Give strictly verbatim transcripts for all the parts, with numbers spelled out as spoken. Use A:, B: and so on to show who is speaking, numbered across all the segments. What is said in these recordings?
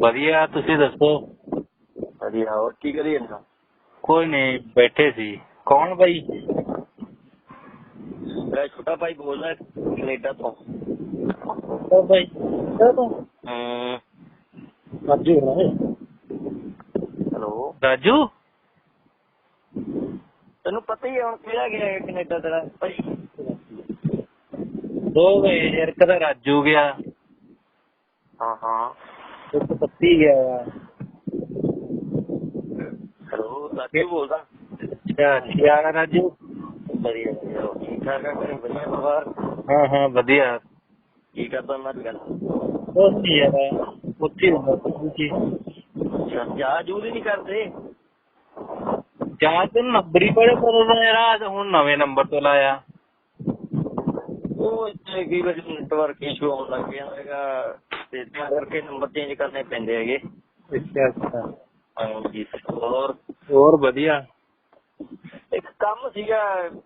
A: ਵਧੀਆ, ਤੁਸੀਂ ਦੱਸੋ?
B: ਵਧੀਆ। ਹੋਰ ਕੀ ਕਰੀ ਜਾਂਦਾ?
A: ਕੋਈ ਨਹੀਂ, ਬੈਠੇ ਸੀ। ਕੌਣ ਬਾਈ?
B: ਮੈਂ ਛੋਟਾ ਭਾਈ ਬੋਲਦਾ ਕੈਨੇਡਾ ਤੋਂ।
A: ਉਹ ਬਾਈ ਕੈਨੇਡਾ ਤੋਂ?
B: ਹੂੰ।
A: ਰਾਜੂ ਹੈ।
B: ਹੈਲੋ
A: ਰਾਜੂ?
B: ਤੈਨੂੰ ਪਤਾ ਹੀ ਹੈ ਹੁਣ ਕਿਹੜਾ ਗਿਆ ਕੈਨੇਡਾ ਤੇਰਾ ਭਾਈ?
A: ਦੋ ਗਏ ਯਾਰ, ਇੱਕ ਤਾਂ ਰਾਜੂ ਗਿਆ।
B: ਹਾਂ ਹਾਂ।
A: ਇੱਕ ਪੱਤੀ ਗਿਆ ਆ।
B: ਹੈਲੋ ਰਾਜੂ ਬੋਲਦਾ।
A: ਅੱਛਾ, ਕੀ ਹਾਲ ਹੈ ਰਾਜੂ?
B: ਵਧੀਆ ਵਧੀਆ। ਹੋਰ ਠੀਕ ਠਾਕ ਆ ਘਰੇ? ਵਧੀਆ ਪਰਿਵਾਰ?
A: ਹਾਂ ਹਾਂ ਵਧੀਆ।
B: ਕੀ ਕਰਦਾ ਮੈਂ ਅੱਜ ਕੱਲ?
A: ਕੁਛ ਨਹੀਂ ਯਾਰ, ਉੱਥੇ ਹੁੰਦਾ ਤੁਸੀਂ।
B: ਅੱਛਾ, ਚਾਹ ਜੂਹ ਨਹੀਂ ਕਰਦੇ?
A: ਚਾਹ ਤੇ ਨੰਬਰ ਹੀ ਬੜੇ ਬਦਲਦਾ ਯਾਰ, ਹੁਣ ਨਵੇਂ ਨੰਬਰ ਤੋਂ ਲਾਇਆ।
B: ਉਹ ਇੱਥੇ ਕਈ ਵਾਰੀ ਨੈਟਵਰਕ ਇਸ਼ੂ ਆਉਣ ਲੱਗ ਗਿਆ ਹੈਗਾ ਤੇ ਤਾਂ ਕਰਕੇ ਨੰਬਰ ਚੇਂਜ ਕਰਨੇ ਪੈਂਦੇ ਹੈਗੇ।
A: ਅੱਛਾ ਅੱਛਾ।
B: ਹਾਂਜੀ। ਹੋਰ?
A: ਹੋਰ ਵਧੀਆ।
B: ਇੱਕ ਕੰਮ ਸੀਗਾ।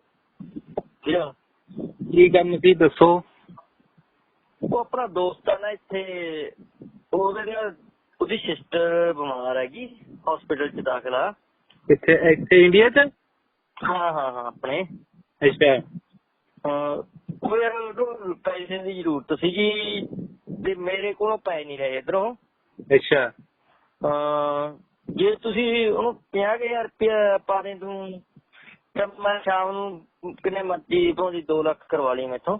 A: ਕੀ ਕੰਮ ਸੀ ਦੱਸੋ?
B: ਉਹ ਆਪਣਾ ਦੋਸਤ ਆ ਨਾ ਇੱਥੇ, ਉਹਦੇ ਨਾਲ ਉਹਦੀ ਸਿਸਟਰ ਬਿਮਾਰ ਹੈਗੀ, ਹਸਪੀਟਲ ਚ ਦਾਖਲ ਆ।
A: ਕਿੱਥੇ? ਇੱਥੇ ਇੰਡੀਆ ਚ?
B: ਹਾਂ ਹਾਂ ਹਾਂ ਆਪਣੇ।
A: ਅੱਛਾ।
B: ਹਾਂ ਉਹ ਯਾਰ ਉਹਨੂੰ ਪੈਸੇ ਦੀ ਜ਼ਰੂਰਤ ਸੀਗੀ ਤੇ ਮੇਰੇ ਕੋਲੋਂ ਪੈ ਨਹੀਂ ਰਹੇ ਇੱਧਰੋਂ।
A: ਅੱਛਾ।
B: ਹਾਂ ਜੇ ਤੁਸੀਂ ਉਹਨੂੰ ਪੰਜਾਹ ਕੁ ਹਜ਼ਾਰ ਰੁਪਇਆ ਪਾ ਦੇ ਤੂੰ, ਤੇ ਮੈਂ ਸ਼ਾਮ ਨੂੰ ਕਿੰਨੇ ਮਰਜ਼ੀ ਭਾਵੇਂ ਦੋ ਲੱਖ ਕਰਵਾ ਲਈ ਮੈਥੋਂ।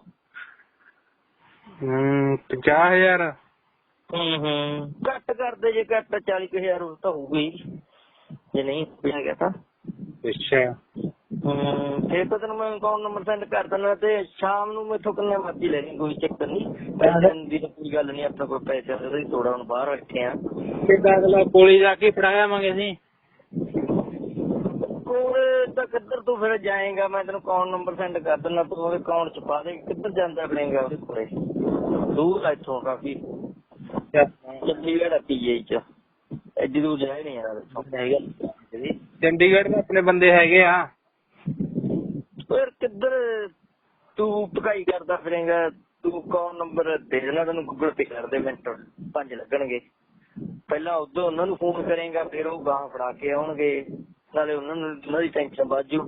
A: ਹਮ ਪੰਜਾਹ ਹਜ਼ਾਰ?
B: ਹੂੰ ਹੂੰ ਘੱਟ ਕਰਦੇ ਜੇ, ਘੱਟ ਚਾਲੀ ਕੁ ਹਜ਼ਾਰ ਉਹ ਤਾਂ ਹੋਊਗਾ ਹੀ ਜੇ ਨਹੀਂ ਪਿਆ ਗਿਆ ਤਾਂ।
A: ਅੱਛਾ।
B: ਹੂੰ ਫਿਰ ਤਾਂ ਤੈਨੂੰ ਮੈਂ ਅਕਾਊਂਟ ਨੰਬਰ ਸੈਂਡ ਕਰ ਦਿੰਦਾ ਤੇ ਸ਼ਾਮ ਨੂੰ ਮੈਥੋਂ ਕਿੰਨੇ ਮਰਜ਼ੀ ਲੈ ਲਈ, ਕੋਈ ਚੱਕਰ ਨਹੀਂ। ਪੈਸੇ ਦੀ ਤਾਂ ਕੋਈ ਗੱਲ ਨਹੀਂ, ਆਪਣੇ ਕੋਲ ਪੈਸੇ ਉਹਦੇ ਥੋੜਾ ਹੁਣ ਬਾਹਰ ਬੈਠੇ ਆ।
A: ਕਿੱਦਾਂ ਅਗਲਾ ਕੋਲੇ ਜਾ ਕੇ ਫੜਾ ਆਵਾਂਗੇ ਅਸੀਂ?
B: ਕੋਲ ਤਾਂ ਕਿੱਧਰ ਤੂੰ ਫਿਰ ਜਾਏਗਾ, ਮੈਂ ਤੈਨੂੰ ਅਕਾਊਂਟ ਨੰਬਰ ਸੈਂਡ ਕਰ ਦਿੰਦਾ, ਤੂੰ ਉਹਦੇ ਅਕਾਊਂਟ ਚ ਪਾ ਦੇ। ਕਿੱਧਰ ਜਾਂਦਾ ਬਣੇਗਾ ਉਹਦੇ ਕੋਲੇ? ਦੂਰ ਆ ਇੱਥੋਂ ਕਾਫੀ, ਚੰਡੀਗੜ੍ਹ ਆ ਪੀ ਆਈ ਚ, ਐਡੀ ਦੂਰ ਜਾਏ ਨਹੀਂ ਯਾਰ ਇੱਥੋਂ।
A: ਚੰਡੀਗੜ੍ਹ में ਆਪਣੇ ਬੰਦੇ ਹੈਗੇ ਆ।
B: ਯਾਰ ਕਿੱਧਰ ਤੂੰ ਭਕਾਈ ਕਰਦਾ ਫਿਰੇਗਾ? ਤੂੰ ਅਕਾਊਂਟ ਨੰਬਰ ਦੇ ਦੇਣਾ, ਤੈਨੂੰ ਗੂਗਲ ਪੇ ਕਰ ਦੇ, ਮਿੰਟ ਪੰਜ ਲੱਗਣਗੇ। ਪਹਿਲਾਂ ਉਦੋਂ ਉਹਨਾਂ ਨੂੰ ਫੋਨ ਕਰੇਗਾ, ਫਿਰ ਉਹ ਗਾਂ ਫੜਾ ਕੇ ਆਉਣਗੇ, ਨਾਲੇ ਉਹਨਾਂ ਨੂੰ ਉਹਨਾਂ ਦੀ ਟੈਨਸ਼ਨ ਬਾਜੂ।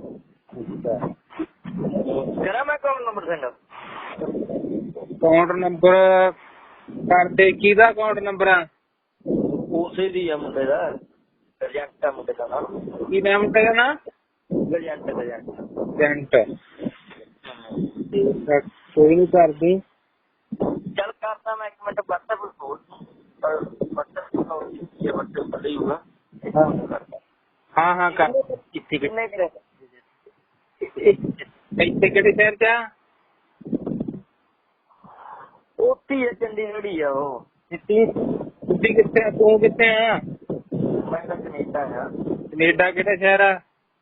B: ਕਰਾਂ ਮੈਂ account number send?
A: Account number ਕਰਦੇ, ਕਿਹਦਾ ਅਕਾਊਂਟ ਨੰਬਰ ਆ?
B: ਉਸੇ ਦੀ ਆ ਮੁੰਡੇ ਦਾ, ਗਰਜੰਟ ਆ ਮੁੰਡੇ ਦਾ ਨਾਮ।
A: ਕੀ ਨਾਮ ਤੇਰਾ ਨਾ?
B: ਗਰਜੰਟ ਗਰਜੰਟ।
A: ਜੰਟ। ਕੋਈ ਨੀ ਕਰਦੀ।
B: ਚੱਲ ਕਰਦਾ ਮੈਂ, ਇੱਕ ਮਿੰਟ ਵਟਸਐਪ ਖੋਲ। ਵਟਸਐਪ ਹੀ ਹੋਊਗਾ।
A: ਹਾਂ ਹਾਂ ਕਰ।
B: ਕਿੱਥੇ ਕਿੰਨੇ ਕੁ
A: ਇੱਥੇ ਕਿਹੜੇ ਸ਼ਹਿਰ ਚ ਆ?
B: ਉੱਥੇ ਹੀ ਆ, ਚੰਡੀਗੜ੍ਹ ਹੀ ਆ ਉਹ।
A: ਤੁਸੀਂ ਕਿੱਥੇ ਆ? ਤੂੰ ਕਿੱਥੇ ਆ?
B: ਮੈਂ ਤਾਂ ਕਨੇਡਾ ਆ।
A: ਕਨੇਡਾ ਕਿਹੜਾ ਸ਼ਹਿਰ ਆ?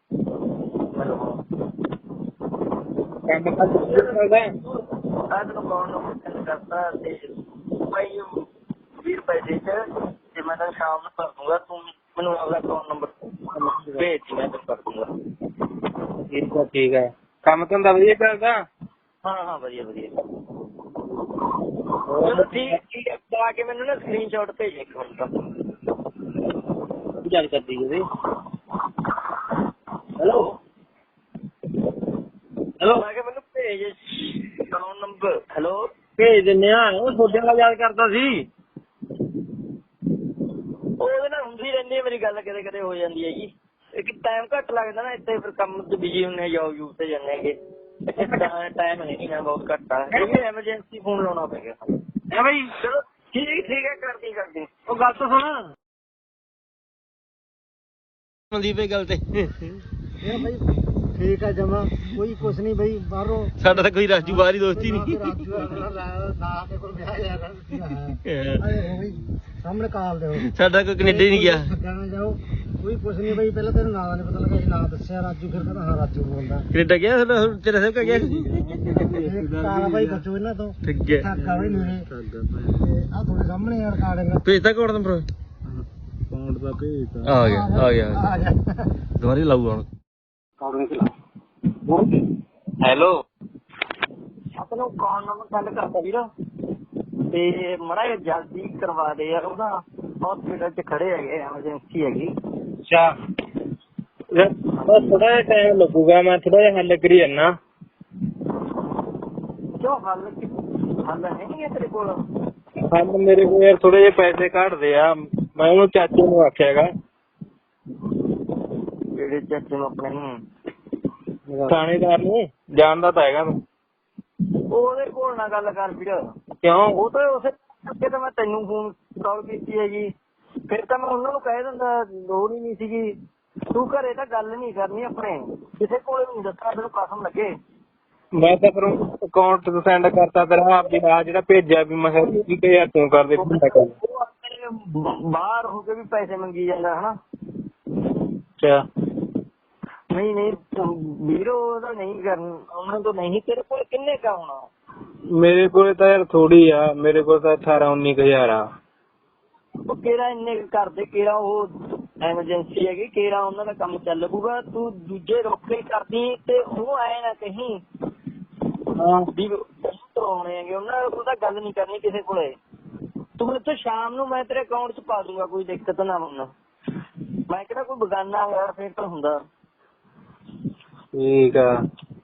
A: ਕੰਮ ਕਰ ਸਕਦਾ?
B: ਆ ਤੈਨੂੰ ਅਕਾਊਂਟ ਨੰਬਰ ਸੈਂਡ ਕਰਤਾ ਤੇ ਭਾਈ ਵੀਹ ਰੁਪਏ ਦੇ ਚ ਤੇ ਮੈਂ ਤਾਂ ਸ਼ਾਮ ਨੂੰ ਕਰ ਦੂੰਗਾ। ਤੂੰ ਮੈਨੂੰ ਆਪਦਾ ਅਕਾਊਂਟ ਨੰਬਰ ਭੇਜ, ਮੈਂ ਤੈਨੂੰ ਕਰ ਦੂੰਗਾ।
A: ਠੀਕ ਆ ਠੀਕ ਆ। ਕੰਮ ਧੰਦਾ ਵਧੀਆ ਚੱਲਦਾ?
B: ਹਾਂ ਹਾਂ ਵਧੀਆ ਵਧੀਆ। ਚਲੋ ਠੀਕ ਠੀਕ ਹੈ, ਪਾ ਕੇ ਮੈਨੂੰ ਨਾ ਸਕਰੀਨ ਸ਼ਾਟ ਭੇਜ ਇੱਕ ਮਿੰਟ ਦਾ।
A: ਗੱਲ ਕਰਦੀ ਜੀ।
B: ਹੈਲੋ ਹੈਲੋ ਮੈਂ ਕਿਹਾ ਮੈਨੂੰ ਭੇਜ ਅਕਾਊਂਟ ਨੰਬਰ। ਹੈਲੋ
A: ਭੇਜ ਦਿੰਦੇ ਆ। ਉਹ ਤੁਹਾਡੇ ਨਾਲ ਯਾਦ ਕਰਦਾ ਸੀ।
B: ਉਹਦੇ ਨਾਲ ਹੁੰਦੀ ਰਹਿੰਦੀ ਹੈ ਮੇਰੀ ਗੱਲ, ਕਦੇ ਕਦੇ ਹੋ ਜਾਂਦੀ ਹੈ ਜੀ। ਇੱਕ ਟਾਈਮ ਘੱਟ ਲੱਗਦਾ ਨਾ ਇੱਥੇ, ਫਿਰ ਕੰਮ ਚ ਬਿਜੀ ਹੁੰਦੇ, ਜੋਬ ਜੂਬ ਤੇ ਜਾਂਦੇ ਹੈਗੇ, ਟਾਈਮ ਨਹੀਂ ਹੈ, ਬਹੁਤ ਘੱਟ ਆ। ਐਮਰਜੈਂਸੀ ਫੋਨ ਲਾਉਣਾ ਪੈ ਗਿਆ ਹੈ ਬਾਈ। ਚਲੋ ਠੀਕ ਠੀਕ ਹੈ, ਕਰਦੀ ਕਰਦੀ।
A: ਉਹ ਗੱਲ ਤਾਂ ਸੁਣ।
C: ਮਨਦੀਪ ਇਹ ਗੱਲ ਤੇ
D: ਇਹ ਬਾਈ ਠੀਕ ਆ ਜਮਾ, ਕੋਈ ਕੁਛ ਨਹੀਂ ਬਾਈ। ਬਾਹਰੋਂ
C: ਸਾਡਾ ਤਾਂ ਕੋਈ ਰਾਜੂ ਬਾਹਰ ਹੀ ਦੋਸਤੀ ਨਹੀਂ।
D: ਸਾਹਮਣੇ ਕਾਲ ਦਿਓ,
C: ਸਾਡਾ ਕੋਈ ਕੈਨੇਡਾ ਹੀ ਨਹੀਂ ਗਿਆ।
D: ਕਹਿਣਾ ਜਾਓ ਕੋਈ ਕੁਛ ਨਹੀਂ ਬਾਈ। ਪਹਿਲਾਂ ਤੈਨੂੰ ਨਾਂ ਦਾ ਨਹੀਂ ਪਤਾ ਲੱਗਾ, ਅਸੀਂ ਨਾਂ ਦੱਸਿਆ ਰਾਜੂ, ਫਿਰ ਕਹਿੰਦਾ ਹਾਂ ਰਾਜੂ ਬੋਲਦਾ।
C: ਕੈਨੇਡਾ ਗਿਆ ਸਾਡਾ, ਤੇਰਾ ਸਭ ਕਾ ਗਿਆ?
D: ਕਾਲਾ ਬਾਈ ਬਚੋ ਇਹਨਾਂ ਤੋਂ।
C: ਠੀਕ ਹੈ।
D: ਠਾਕਾ ਬਾਈ ਮੇਰੇ ਤੇ ਆ ਤੁਹਾਡੇ ਸਾਹਮਣੇ ਯਾਰ ਕਾਰਡ
C: ਭੇਜਤਾ ਕੋਡ ਨੰਬਰ?
D: ਅਕਾਊਂਟ ਦਾ ਭੇਜ
C: ਆ ਗਿਆ ਆ ਗਿਆ
D: ਆ ਗਿਆ।
C: ਦੁਬਾਰੇ ਲਾਊ ਹੁਣ।
A: ਹੈਲੋ।
B: ਆਪਣਾ ਅਕਾਊਂਟ ਨੰਬਰ ਸੈਂਡ ਕਰਤਾ ਵੀਰ। ਤੇ ਮੜਾ ਜਲਦੀ ਕਰਵਾ ਦੇ ਯਾਰ, ਉਹਦਾ ਹਸਪੀਟਲ ਚ ਖੜੇ ਹੈਗੇ, ਐਮਰਜੈਂਸੀ ਹੈਗੀ।
A: ਅੱਛਾ ਥੋੜਾ ਜਿਹਾ ਟਾਈਮ ਲੱਗੂਗਾ, ਮੈਂ ਥੋੜਾ ਜਿਹਾ ਹੱਲ ਕਰੀ ਜਾਨਾ।
B: ਕਿਉਂ ਹੱਲ ਹੱਲ ਹੈ ਨਹੀਂ ਤੇਰੇ ਕੋਲ?
A: ਹੱਲ ਮੇਰੇ ਕੋਲ ਯਾਰ ਥੋੜੇ ਜਿਹੇ ਪੈਸੇ ਘੱਟਦੇ ਆ, ਮੈਂ ਉਹਨੂੰ ਚਾਚੇ ਨੂੰ ਆਖਿਆ ਹੈਗਾ।
B: ਜਿਹੜੇ ਚਾਚੇ ਨੂੰ ਆਪਣੇ ਨੂੰ?
A: ਥਾਣੇਦਾਰ ਨੂੰ ਜਾਣਦਾ ਤਾਂ ਹੈਗਾ ਤੂੰ।
B: ਉਹਦੇ ਕੋਲ ਨਾ ਗੱਲ ਕਰ ਵੀਰ।
A: ਕਿਉਂ?
B: ਉਹ ਤਾਂ ਉਸੇ ਕਰਕੇ ਤਾਂ ਮੈਂ ਤੈਨੂੰ ਫੋਨ ਕਾਲ ਕੀਤੀ ਹੈਗੀ, ਫਿਰ ਤਾਂ ਮੈਂ ਉਹਨਾਂ ਨੂੰ ਕਹਿ ਦਿੰਦਾ, ਲੋੜ ਹੀ ਨਹੀਂ ਸੀਗੀ। ਤੂੰ ਘਰੇ ਤਾਂ ਗੱਲ ਨਹੀਂ ਕਰਨੀ ਆਪਣੇ, ਕਿਸੇ ਕੋਲ ਨਹੀਂ ਦੱਸਣਾ, ਤੈਨੂੰ ਕਸਮ ਲੱਗੇ।
A: ਮੈਂ ਤਾਂ ਫਿਰ ਅਕਾਊਂਟ ਤੋਂ ਸੈਂਡ ਕਰਤਾ ਤੇਰਾ ਵੀ ਆ ਜਿਹੜਾ ਭੇਜਿਆ ਵੀ ਮੈਂ ਵੀਹ ਕੁ ਹਜ਼ਾਰ ਤੂੰ ਕਰ ਦੇ।
B: ਉਹ ਆਪਣੇ ਬਾਹਰ ਹੋ ਕੇ ਵੀ ਪੈਸੇ ਮੰਗੀ ਜਾਂਦਾ ਹਨਾ।
A: ਅੱਛਾ
B: ਨਹੀਂ ਨਹੀਂ ਵੀਰੋ ਉਹਦਾ ਨਹੀਂ ਕਰਨਾ, ਉਹਨਾਂ ਤੋਂ ਨਹੀਂ। ਤੇਰੇ ਕੋਲ ਕਿੰਨੇ ਕਾ ਹੋਣਾ?
A: ਮੇਰੇ ਕੋਲ ਤਾਂ ਯਾਰ ਥੋੜੀ ਆ, ਮੇਰੇ ਕੋਲ ਤਾਂ ਅਠਾਰਾਂ ਉੱਨੀ ਕੁ ਹਜ਼ਾਰ ਆ।
B: ਉਹ ਕਿਹੜਾ ਇੰਨੇ ਕਰਦੇ, ਕਿਹੜਾ ਉਹ ਐਮਰਜੈਂਸੀ ਹੈਗੀ, ਕਿਹੜਾ ਉਹਨਾਂ ਦਾ ਕੰਮ ਚੱਲ ਪੂਗਾ। ਤੂੰ ਦੂਜੇ ਰੋਕੇ ਕਰਦੀ ਤੇ ਉਹ ਆਏ ਨਾ ਕਹੀਂ ਵੀ ਕਰਾਉਣੇ ਹੈਗੇ, ਉਹਨਾਂ ਕੋਲ ਤਾਂ ਗੱਲ ਨਹੀਂ ਕਰਨੀ ਕਿਸੇ ਕੋਲੇ। ਤੂੰ ਇੱਥੇ ਸ਼ਾਮ ਨੂੰ ਮੈਂ ਤੇਰੇ ਅਕਾਊਂਟ ਚ ਪਾ ਦੂੰਗਾ, ਕੋਈ ਦਿੱਕਤ ਨਾ ਹੋਣਾ। ਮੈਂ ਕਿਹੜਾ ਕੋਈ ਬਗਾਨਾ ਹੋਇਆ ਫਿਰ ਤਾਂ ਹੁੰਦਾ।
A: ਠੀਕ ਆ।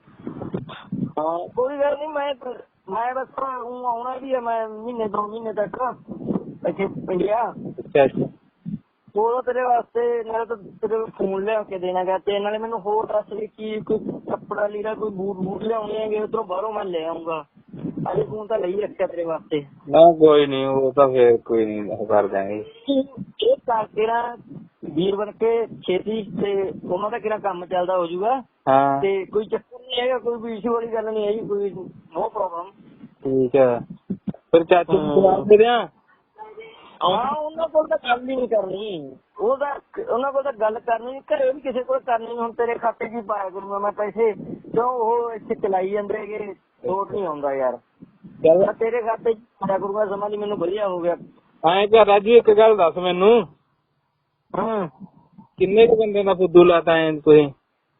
B: ਹਾਂ ਕੋਈ ਗੱਲ ਨਹੀਂ, ਮੈਂ ਮੈਂ ਬਸ ਉਹ ਆਉਣਾ ਵੀ ਹੈ, ਮੈਂ ਮਹੀਨੇ ਦੋ ਮਹੀਨੇ ਤੱਕ ਇੱਥੇ ਇੰਡੀਆ।
A: ਅੱਛਾ ਅੱਛਾ
B: ਉਹ ਤੇਰੇ ਵਾਸਤੇ ਨਾਲੇ ਤਾਂ ਤੇਰੇ ਫੋਨ ਲਿਆ ਕੇ ਦੇਣਾ ਗਾ, ਤੇ ਨਾਲੇ ਮੈਨੂੰ ਹੋਰ ਦੱਸ ਵੀ ਕੀ ਕੋਈ ਕੱਪੜਾ ਲੀੜਾ ਕੋਈ ਬੂਟ ਬੂਟ ਲਿਆਉਣੇ ਹੈਗੇ ਉੱਧਰੋਂ ਬਾਹਰੋਂ ਮੈਂ ਲੈ ਆਉਂਗਾ। ਅਜੇ ਫੋਨ ਤਾਂ ਲਈ ਰੱਖਿਆ ਤੇਰੇ ਵਾਸਤੇ।
A: ਨਾ ਕੋਈ ਨੀ, ਉਹ ਤਾਂ ਫੇਰ ਕੋਈ ਨੀ, ਉਹ ਕਰ ਦਿਆਂਗੇ।
B: ਇਹ ਕਰਕੇ ਨਾ ਵੀਰ ਬਣ ਕੇ ਛੇਤੀ, ਤੇ ਉਹਨਾਂ ਦਾ ਕਿਹੜਾ ਕੰਮ ਚੱਲਦਾ ਹੋ ਜਾਊਗਾ।
A: ਹਾਂ
B: ਤੇ ਕੋਈ ਚੱਕਰ ਨਹੀਂ ਹੈਗਾ, ਕੋਈ ਵੀ ਇਸ਼ੂ ਵਾਲੀ ਗੱਲ ਨਹੀਂ ਹੈਗੀ, ਕੋਈ ਨੋ ਪ੍ਰੋਬਲਮ।
A: ਠੀਕ ਆ, ਫਿਰ ਚਾਚੂ ਨੂੰ ਜਵਾਬ ਦੇ ਦਿਆਂ।
B: ਹਾਂ ਉਹਨਾਂ ਕੋਲ ਤਾਂ ਗੱਲ ਹੀ ਨਹੀਂ ਕਰਨੀ, ਉਹਦਾ ਉਹਨਾਂ ਕੋਲ ਤਾਂ ਗੱਲ ਕਰਨੀ ਘਰੇ ਵੀ ਕਿਸੇ ਕੋਲ ਕਰਨੀ। ਹੁਣ ਤੇਰੇ ਖਾਤੇ 'ਚ ਹੀ ਪਾਇਆ ਕਰੂੰਗਾ ਮੈਂ ਪੈਸੇ, ਕਿਉਂ ਉਹ ਇੱਥੇ ਚਲਾਈ ਜਾਂਦੇ ਹੈਗੇ, ਲੋਟ ਨਹੀਂ ਆਉਂਦਾ ਯਾਰ।
A: ਚੱਲ
B: ਤੇਰੇ ਖਾਤੇ 'ਚ ਪਾਇਆ ਕਰੂੰਗਾ, ਸਮਾਂ ਦੀ ਮੈਨੂੰ ਵਧੀਆ ਹੋ ਗਿਆ।
A: ਐਂ ਕਰ ਰਾਜੂ, ਇੱਕ ਗੱਲ ਦੱਸ ਮੈਨੂੰ,
B: ਹਾਂ
A: ਕਿੰਨੇ ਕੁ ਬੰਦੇ ਦਾ ਫੁੱਦੂ ਲਾਤਾ ਐ ਤੁਸੀਂ?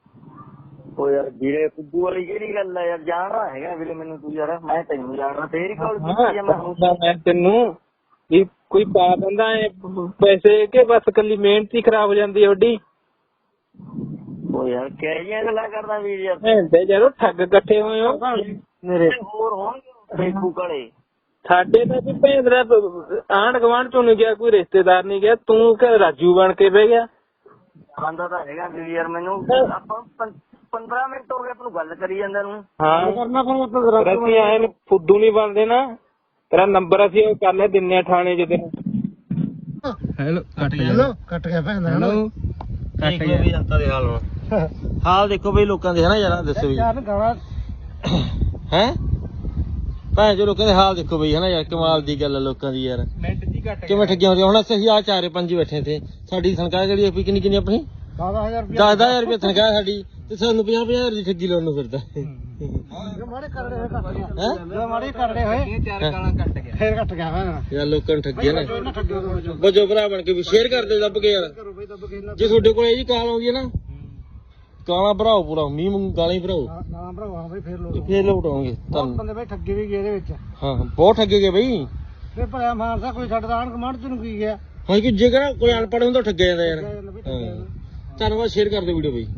B: ਉਹ ਯਾਰ ਵੀਰੇ ਫੁੱਦੂ ਵਾਲੀ ਕਿਹੜੀ ਗੱਲ ਆ ਯਾਰ, ਜਾਣਦਾ ਹੈਗਾ ਵੀਰੇ ਮੈਨੂੰ ਤੂੰ ਯਾਰ, ਮੈਂ ਤੈਨੂੰ ਜਾਣਦਾ, ਤੇਰੀ ਕੋਲ ਕੀਤੀ ਆ ਮੈਂ ਹੁਣ।
A: ਮੈਂ ਤੈਨੂੰ ਵੀ ਕੋਈ ਪਾ ਦਿੰਦਾ ਐ ਪੈਸੇ ਕਿ ਬਸ ਕੱਲੀ ਮਿਹਨਤ ਹੀ ਖਰਾਬ ਹੋ ਜਾਂਦੀ ਹੈ ਵੱਡੀ?
B: ਉਹ ਯਾਰ ਕਿਹੋ ਜਿਹੀਆਂ ਗੱਲਾਂ ਕਰਦਾ ਵੀਰ ਯਾਰ,
A: ਭੈਂਦੇ ਜਦੋਂ ਠੱਗ ਇਕੱਠੇ ਹੋਏ ਹੋ ਮੇਰੇ।
B: ਹੋਰ ਹੋਣਗੇ ਫੇਸਬੁੱਕ ਵਾਲੇ।
A: ਸਾਡੇ ਤਾਂ ਵੀ ਭੈਂਦਰਾ ਆਂਢ ਗੁਆਂਢ ਚੋਂ ਨੀ ਗਿਆ, ਕੋਈ ਰਿਸ਼ਤੇਦਾਰ ਨੀ ਗਿਆ, ਤੂੰ ਕਿ ਰਾਜੂ ਬਣ ਕੇ ਬਹਿ ਗਿਆ।
B: ਆਂਦਾ ਤਾਂ ਹੈਗਾ ਵੀਰ ਯਾਰ ਮੈਨੂੰ, ਆਪਾਂ ਪੰਦਰਾਂ ਮਿੰਟ ਹੋ ਗਏ ਆਪਾਂ ਨੂੰ ਗੱਲ ਕਰੀ ਜਾਂਦੇ ਨੂੰ।
A: ਹਾਂ
D: ਕਰਨਾ ਫਿਰ
A: ਅਸੀਂ ਐ ਫੁੱਦੂ ਨੀ ਬਣਦੇ ਨਾ, ਤੇਰਾ ਨੰਬਰ ਅਸੀਂ ਉਹ ਕਰ ਲਿਆ ਦਿੰਨੇ ਆ ਥਾਣੇ ਚ ਤੈਨੂੰ।
C: ਹੈਲੋ ਕੱਟ ਗਿਆ।
D: ਹੈਲੋ ਕੱਟ ਗਿਆ ਭੈਣ ਦਾ।
C: ਹੈਲੋ ਕੱਟ ਗਿਆ ਵੀ ਜਨਤਾ ਦੇ ਹਾਲ ਹੁਣ। ਹਾਲ ਦੇਖੋ ਬਈ ਲੋਕਾਂ ਦੇ, ਹੈ ਨਾ ਯਾਰ, ਦੱਸੋ ਵੀ
D: ਯਾਰ ਗਾਣਾ
C: ਹੈ ਭਾਵੇਂ ਜੋ ਲੋਕਾਂ ਦੇ ਹਾਲ ਦੇਖੋ ਬਈ, ਹੈ ਨਾ ਯਾਰ, ਕਮਾਲ ਦੀ ਗੱਲ ਹੈ ਲੋਕਾਂ ਦੀ ਯਾਰ।
A: ਮਿੰਟ ਜੀ ਘੱਟ
C: ਕਿਵੇਂ ਠੱਗੀਆਂ ਹੋ ਰਹੀਆਂ। ਹੁਣ ਅਸੀਂ ਆ ਚਾਰੇ ਪੰਜ ਬੈਠੇ ਤੇ, ਸਾਡੀ ਤਨਖਾਹ ਜਿਹੜੀ ਆਪਣੀ ਕਿੰਨੀ ਕਿੰਨੀ ਆਪਣੀ
D: ਦਸ ਹਜ਼ਾਰ ਰੁਪਏ
C: ਦਸ ਦਸ ਹਜ਼ਾਰ ਰੁਪਏ ਤਨਖਾਹ ਸਾਡੀ, ਤੇ ਸਾਨੂੰ ਪੰਜਾਹ ਪੰਜਾਹ ਹਜ਼ਾਰ ਦੀ ਠੱਗੀ ਲਾਉਣ ਨੂੰ ਫਿਰਦਾ
D: ਮਾੜੇ ਕਰੜੇ ਹੋਏ ਕੱਟ ਗਿਆ।
C: ਹੈ।
D: ਮਾੜੇ ਕਰੜੇ ਹੋਏ
A: ਚਾਰ ਗਾਲਾਂ ਕੱਟ ਗਿਆ।
D: ਫੇਰ ਕੱਟ ਗਿਆ ਭੈਣ।
C: ਯਾਰ ਲੋਕਾਂ ਨੂੰ ਠੱਗਿਆ ਨਾ,
D: ਇਹਨਾਂ ਠੱਗਿਓ ਤੋਂ ਬਚੋ।
C: ਬਜੋ ਭਰਾ ਬਣ ਕੇ ਵੀ ਸ਼ੇਅਰ ਕਰਦੇ ਦੱਬ ਕੇ ਯਾਰ।
D: ਕਰੋ ਬਈ ਦੱਬ ਕੇ ਇਹਨਾਂ
C: ਜੇ ਤੁਹਾਡੇ ਕੋਲ ਇਹ ਜੀ ਕਾਲ ਆਉਂਦੀ ਹੈ ਨਾ, ਕਾਲਾ ਭਰਾਓ ਪੂਰਾ, ਮੀਂਹ ਮੂੰਹ ਗਾਲਾਂ ਹੀ ਭਰਾਓ,
D: ਨਾ ਭਰਾਵਾ ਬਈ ਫੇਰ ਲੋੜ।
C: ਫੇਰ ਲੋਟ ਆਉਣਗੇ
D: ਬਹੁਤ
C: ਤੁਹਾਨੂੰ।
D: ਬੰਦੇ ਬਈ ਠੱਗੇ ਵੀ ਗਏ ਇਹਦੇ ਵਿੱਚ।
C: ਹਾਂ ਬਹੁਤ ਠੱਗੇ ਗਏ ਬਈ।
D: ਫੇਰ ਭਲਿਆ ਮਾਨਸਾ ਕੋਈ ਸਾਡਾ ਆਣ ਕਮਾਂਡ ਚ ਨੂੰ ਕੀ ਗਿਆ।
C: ਹਾਂ ਕਿ ਜੇਕਰ ਕੋਈ ਅਨਪੜ੍ਹ ਹੁੰਦਾ ਠੱਗਿਆ ਜਾਂਦਾ ਯਾਰ।
D: ਠੱਗਿਆ ਜਾਂਦਾ ਬਈ, ਠੱਗਿਆ
C: ਹਾਂ
D: ਜਾਂਦਾ।
C: ਧੰਨਵਾਦ, ਸ਼ੇਅਰ ਕਰ ਦਿਓ ਵੀਡੀਓ ਬਈ।